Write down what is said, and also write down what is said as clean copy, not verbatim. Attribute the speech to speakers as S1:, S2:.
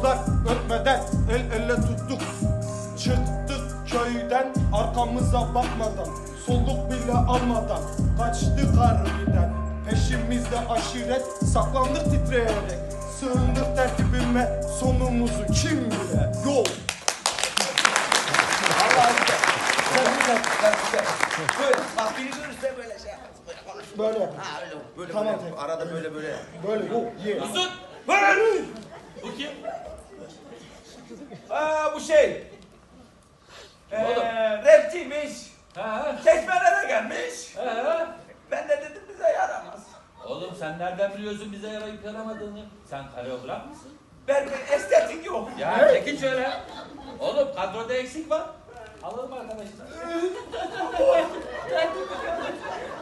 S1: Kızlar öpmeden el ele tuttuk. Çıktık köyden arkamıza bakmadan, soluk bile almadan kaçtık harbiden. Peşimizde aşiret, saklandık titreyerek. Sığındık tertibime, sonumuzu kim bile. Yol.
S2: Allah'ım güzel. Güzel. Böyle bak biri görürse böyle şey yaparsın. Böyle konuş.
S1: Böyle.
S2: Ha öyle böyle
S1: Tamam,
S2: böyle.
S1: tamam.
S2: Arada böyle.
S1: Böyle yok. Ye.
S3: Uzun. Böyle. Bu kim?
S2: Bu şey.
S3: Oğlum.
S2: Rapçiymiş.
S3: Ha?
S2: Çeşmelere gelmiş.
S3: Ha?
S2: Ben de dedim bize yaramaz.
S3: Oğlum sen nereden biliyorsun bize yarayıp yaramadığını? Sen koreograf mısın?
S2: Ben bir estetik yok.
S3: Ya çekin şöyle. Oğlum kadroda eksik var. Alalım arkadaşlar.